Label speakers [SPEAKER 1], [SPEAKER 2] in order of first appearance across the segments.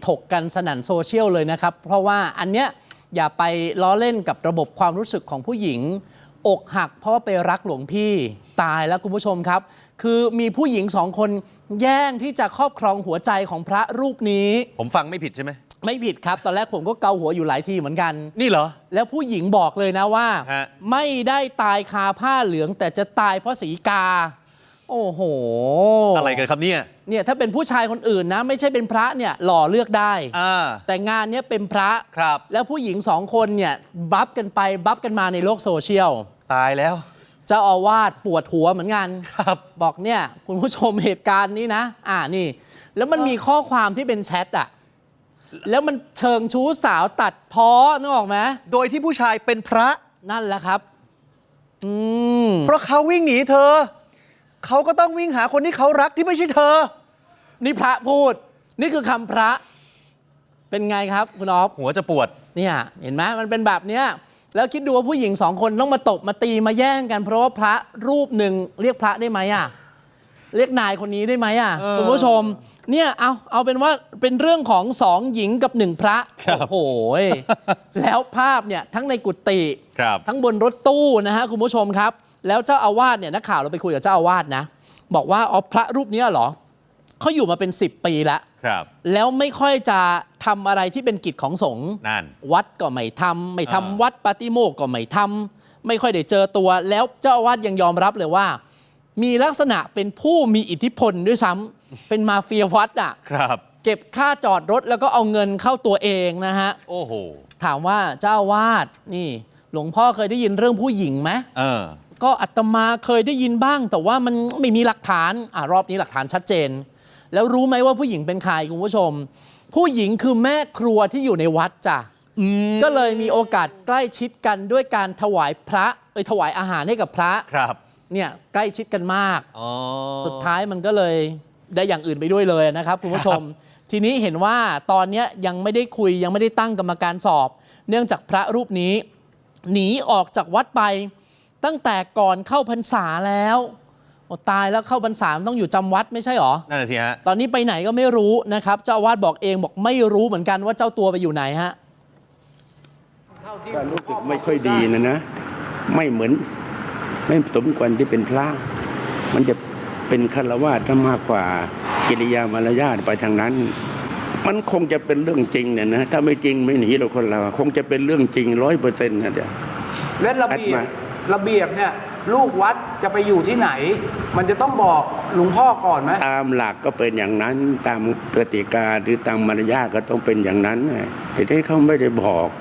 [SPEAKER 1] ถกกันสนั่นโซเชียลเลยนะครับเพราะว่าอันเนี้ยอย่าไปล้อเล่นกับระบบความรู้สึกของผู้หญิงอกหักเพราะว่าไปรักหลวงพี่ตายแล้วคุณผู้ชมครับคือมีผู้หญิง2 คนแย่งที่จะครอบครองหัวใจของพระรูปนี้
[SPEAKER 2] ผมฟังไม่ผิดใช่ไหม
[SPEAKER 1] ไม่ผิดครับตอนแรกผมก็เกาหัวอยู่หลายทีเหมือนกัน
[SPEAKER 2] นี่เหรอ
[SPEAKER 1] แล้วผู้หญิงบอกเลยนะว่าไม่ได้ตายคาผ้าเหลืองแต่จะตายเพราะสีกาโอ้โห
[SPEAKER 2] อะไรกันครับเนี่ย
[SPEAKER 1] ถ้าเป็นผู้ชายคนอื่นนะไม่ใช่เป็นพระเนี่ยหล่อเลือกได้แต่งานนี้เป็นพระ
[SPEAKER 2] ครับ
[SPEAKER 1] แล้วผู้หญิง2 คนเนี่ยบัฟกันไปบัฟกันมาในโลกโซเชียล
[SPEAKER 2] ตายแล้ว
[SPEAKER 1] เจ้าอาวาสปวดหัวเหมือนกัน
[SPEAKER 2] ครับ
[SPEAKER 1] บอกเนี่ยคุณผู้ชมเหตุการณ์นี้นะนี่แล้วมันมีข้อความที่เป็นแชทอะแล้วมันเชิงชู้สาวตัดพ้อนึกออกไหม
[SPEAKER 2] โดยที่ผู้ชายเป็นพระ
[SPEAKER 1] นั่นแหละครับ
[SPEAKER 2] เพราะเขาวิ่งหนีเธอเขาก็ต้องวิ่งหาคนที่เขารักที่ไม่ใช่เธอ
[SPEAKER 1] นี่พระพูดนี่คือคำพระเป็นไงครับคุณอ๊อฟ
[SPEAKER 2] หัวจะปวด
[SPEAKER 1] เนี่ยเห็นไหมมันเป็นแบบเนี้ยแล้วคิดดูว่าผู้หญิง2 คนต้องมาตบมาตีมาแย่งกันเพราะว่าพระรูปหนึ่งเรียกพระได้ไหมเรียกนายคนนี้ได้ไหมคุณผู้ชมเนี่ยเอาเป็นว่าเป็นเรื่องของ2 หญิงกับ1 พระโอ้โหแล้วภาพเนี่ยทั้งในกุฏิทั้งบนรถตู้นะฮะคุณผู้ชมครับแล้วเจ้าอาวาสเนี่ยนักข่าวเราไปคุยกับเจ้าอาวาสนะบอกว่าพระรูปนี้เหรอเขาอยู่มาเป็น10 ปีแล้วแล้วไม่ค่อยจะทำอะไรที่เป็นกิจของสงฆ์วัดก็ไม่ทำวัดปาติโมกข์ก็ไม่ทำไม่ค่อยได้เจอตัวแล้วเจ้าอาวาสยังยอมรับเลยว่ามีลักษณะเป็นผู้มีอิทธิพลด้วยซ้ำเป็นมาเฟียวัดเก็บค่าจอดรถแล้วก็เอาเงินเข้าตัวเองนะฮะ
[SPEAKER 2] โอ้โห
[SPEAKER 1] ถามว่าเจ้าอาวาสนี่หลวงพ่อเคยได้ยินเรื่องผู้หญิงไหมก็อาตมาเคยได้ยินบ้างแต่ว่ามันไม่มีหลักฐานรอบนี้หลักฐานชัดเจนแล้วรู้ไหมว่าผู้หญิงเป็นใครคุณผู้ชมผู้หญิงคือแม่ครัวที่อยู่ในวัดจ้ะก็เลยมีโอกาสใกล้ชิดกันด้วยการถวายพระถวายอาหารให้กับพระเนี่ยใกล้ชิดกันมากสุดท้ายมันก็เลยได้อย่างอื่นไปด้วยเลยนะครับคุณผู้ชมทีนี้เห็นว่าตอนนี้ยังไม่ได้คุยยังไม่ได้ตั้งกรรมการสอบเนื่องจากพระรูปนี้หนีออกจากวัดไปตั้งแต่ก่อนเข้าพรรษาแล้วตายแล้วเข้าพรรษาต้องอยู่จำวัดไม่ใช่หรอ
[SPEAKER 2] นั่นแหละสิฮะ
[SPEAKER 1] ตอนนี้ไปไหนก็ไม่รู้นะครับเจ้าอาวาสบอกเองบอกไม่รู้เหมือนกันว่าเจ้าตัวไปอยู่ไหนฮะ
[SPEAKER 3] ก็รู้สึกไม่ค่อยดีนะไม่เหมือนไม่สมควรที่เป็นพระมันจะเป็นฆราวาสมากกว่ากิริยามารยาทไปทางนั้นมันคงจะเป็นเรื่องจริงเนี่ยนะถ้าไม่จริงไม่หนีเราคนเราคงจะเป็นเรื่องจริง100%นะเดี๋ยว
[SPEAKER 4] และระเบียบเนี่ยลูกวัดจะไปอยู่ที่ไหนมันจะต้องบอกหลวงพ่อก่อนไหม
[SPEAKER 3] ตามหลักก็เป็นอย่างนั้นตามกติกาหรือตามมารยาทก็ต้องเป็นอย่างนั้นแต่ที่เขาไม่ได้บอก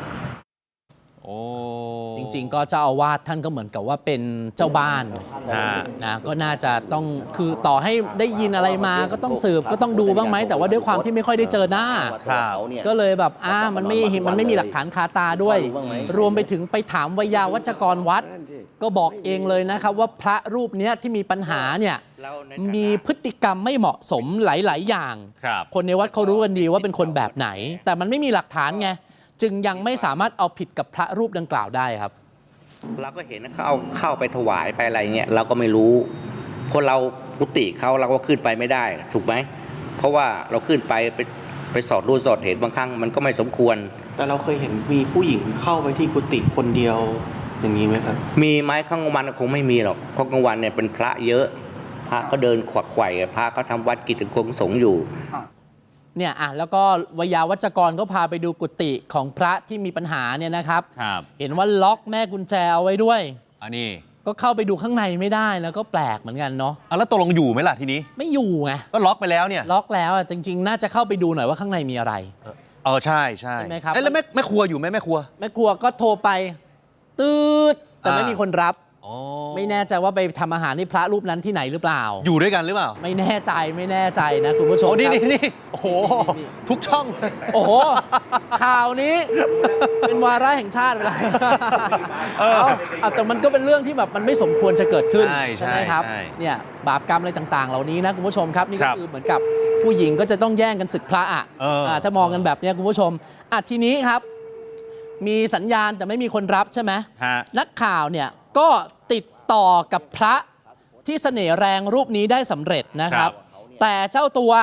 [SPEAKER 1] จริงๆก็เจ้าอาวาสท่านก็เหมือนกับว่าเป็นเจ้าบ้านนะก็น่าจะต้องคือต่อให้ได้ยินอะไรมาก็ต้องสืบก็ต้องดูบ้างไหมแต่ว่าด้วยความที่ไม่ค่อยได้เจอหน้าก็เลยแบบมันไม่มีหลักฐานคาตาด้วยรวมไปถึงไปถามวิยาวัจกรวัดก็บอกเองเลยนะครับว่าพระรูปนี้ที่มีปัญหาเนี่ยมีพฤติกรรมไม่เหมาะสมหลายๆอย่างคนในวัดเขารู้กันดีว่าเป็นคนแบบไหนแต่มันไม่มีหลักฐานไงจึงยังไม่สามารถเอาผิดกับพระรูปดังกล่าวได้ครับ
[SPEAKER 5] เราก็เห็นเขาเอาเข้าไปถวายไปอะไรเงี้ยเราก็ไม่รู้เพราะเรากุฏิเขาเราก็ขึ้นไปไม่ได้ถูกไหมเพราะว่าเราขึ้นไปสอดรู้สอดเห็นบางครั้งมันก็ไม่สมควร
[SPEAKER 6] แต่เราเคยเห็นมีผู้หญิงเข้าไปที่กุฏิคนเดียวอย่างนี้ไหมครับ
[SPEAKER 5] มีไหมกลางวันคงไม่มีหรอกเพราะกลางวันเนี่ยเป็นพระเยอะพระก็เดินขวักไขว่พระก็ทำวัดกิจของสงฆ์อยู่
[SPEAKER 1] เนี่ยแล้วก็วิยาวัจกรก็พาไปดูกุฏิของพระที่มีปัญหาเนี่ยนะครับเห็นว่าล็อกแม่กุญแจเอาไว้ด้วย
[SPEAKER 2] อันนี้
[SPEAKER 1] ก็เข้าไปดูข้างในไม่ได้แล้วก็แปลกเหมือนกันเนาะ
[SPEAKER 2] แล้วตกลงอยู่ไหมล่ะทีนี้
[SPEAKER 1] ไม่อยู่ไง
[SPEAKER 2] ก็ล็อกไปแล้วเนี่ย
[SPEAKER 1] ล็อกแล้วจริงๆน่าจะเข้าไปดูหน่อยว่าข้างในมีอะไร
[SPEAKER 2] ใช่
[SPEAKER 1] ไหมครับ
[SPEAKER 2] แล้วแม่ครัวอยู่ไหมแม่ค
[SPEAKER 1] รัวก็โทรไปตืดแต่ไม่มีคนรับไม่แน่ใจว่าไปทำอาหารให้พระรูปนั้นที่ไหนหรือเปล่า
[SPEAKER 2] อยู่ด้วยกันหรือเปล่า
[SPEAKER 1] ไม่แน่ใจนะคุณผู้ชม
[SPEAKER 2] นี่โอ้โหทุกช่อง
[SPEAKER 1] โอ้โหข่าวนี้เป็นวาระแห่งชาติไปเลยแต่มันก็เป็นเรื่องที่แบบมันไม่สมควรจะเกิดขึ้นใช่ไหมครับเนี่ยบาปกรรมอะไรต่างๆเหล่านี้นะคุณผู้ชมครับนี่ก็คือเหมือนกับผู้หญิงก็จะต้องแย่งกันศึกพระถ้ามองกันแบบนี้คุณผู้ชมทีนี้ครับมีสัญญาณแต่ไม่มีคนรับใช่ไหมนักข่าวเนี่ยก็ติดต่อกับพระที่เสน่ห์แรงรูปนี้ได้สำเร็จนะครับแต่เจ้าตัว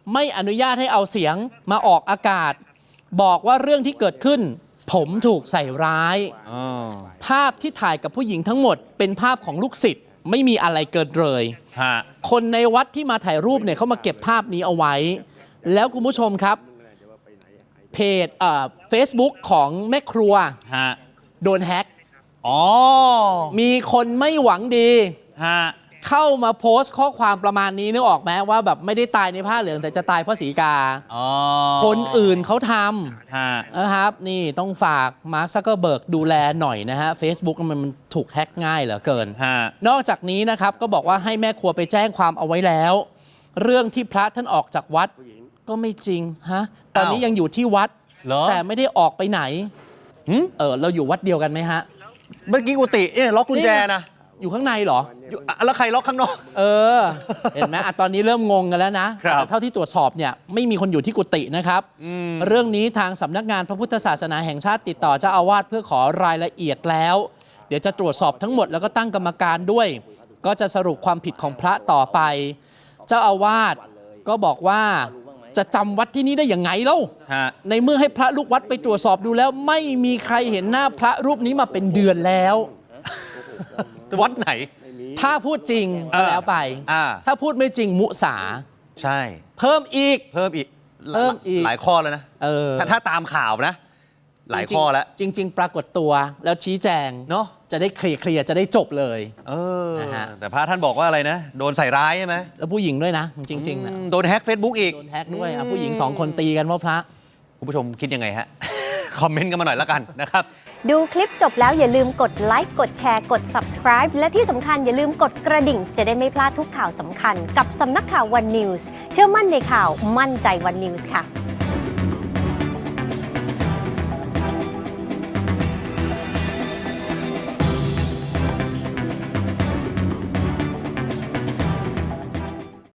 [SPEAKER 1] ไม่อนุญาตให้เอาเสียงมาออกอากาศ บอกว่าเรื่องที่เกิดขึ้น ผมถูกใส่ร้าย ภาพที่ถ่ายกับผู้หญิงทั้งหมดเป็นภาพของลูกศิษย์ไม่มีอะไรเกินเลย คนในวัดที่มาถ่ายรูปเนี่ยเขามาเก็บภาพนี้เอาไว้ แล้วคุณผู้ชมครับเพจFacebook ของแม่ครัวโดนแฮ็กมีคนไม่หวังดีเข้ามาโพสต์ข้อความประมาณนี้นึกออกไหมว่าแบบไม่ได้ตายในผ้าเหลืองแต่จะตายเพราะสีกาคนอื่นเขาทำนะครับนี่ต้องฝากมาร์ค ซักเกอร์เบิร์กดูแลหน่อยนะฮะ Facebook มันถูกแฮ็กง่ายเหลือเกินนอกจากนี้นะครับก็บอกว่าให้แม่ครัวไปแจ้งความเอาไว้แล้ว เรื่องที่พระท่านออกจากวัดก็ไม่จริงฮะตอนนี้ยังอยู่ที่วัดแต่ไม่ได้ออกไปไหนเราอยู่วัดเดียวกันไหมฮะ
[SPEAKER 2] เมื่อกี้กุฏิเนี่ยล็อกกุญแจนะ
[SPEAKER 1] อยู่ข้างในเหรอ
[SPEAKER 2] แล้วใครล็อกข้างนอก
[SPEAKER 1] เห็นไหมตอนนี้เริ่มงงกันแล้วนะแต่เท่าที่ตรวจสอบเนี่ยไม่มีคนอยู่ที่กุฏินะครับเรื่องนี้ทางสำนักงานพระพุทธศาสนาแห่งชาติติดต่อเจ้าอาวาสเพื่อขอรายละเอียดแล้ว เดี๋ยวจะตรวจสอบทั้งหมดแล้วก็ตั้งกรรมการด้วย ก็จะสรุปความผิดของพระต่อไป เจ้าอาวาสก็บอกว่าจะจำวัดที่นี่ได้อย่างไงเล่าในเมื่อให้พระลูกวัดไปตรวจสอบดูแล้วไม่มีใครเห็นหน้าพระรูปนี้มาเป็นเดือนแล้ว
[SPEAKER 2] วัดไหน
[SPEAKER 1] ถ้าพูดจริงก็แล้วไปถ้าพูดไม่จริงมุสา
[SPEAKER 2] ใช่
[SPEAKER 1] เพิ่มอีก
[SPEAKER 2] หลายข้อแล้วนะถ้าตามข่าวนะหลายข้อแล้ว
[SPEAKER 1] จริงๆปรากฏตัวแล้วชี้แจงเนาะจะได้เคลียร์จะได้จบเลย
[SPEAKER 2] นะฮะแต่พระท่านบอกว่าอะไรนะโดนใส่ร้ายใช่ไหม
[SPEAKER 1] แล้วผู้หญิงด้วยนะจริงๆนะ
[SPEAKER 2] โดนแฮ็ก Facebook อีก
[SPEAKER 1] โดนแฮ็กด้วยผู้หญิง2คนตีกันเพราะพระ
[SPEAKER 2] คุณผู้ชมคิดยังไงฮะคอมเมนต์กันมาหน่อยแล้วกันนะครับ
[SPEAKER 7] ดูคลิปจบแล้วอย่าลืมกดไลค์กดแชร์กด subscribe และที่สำคัญอย่าลืมกดกระดิ่งจะได้ไม่พลาดทุกข่าวสำคัญกับสำนักข่าว One News เชื่อมั่นในข่าวมั่นใจ One News ค่ะ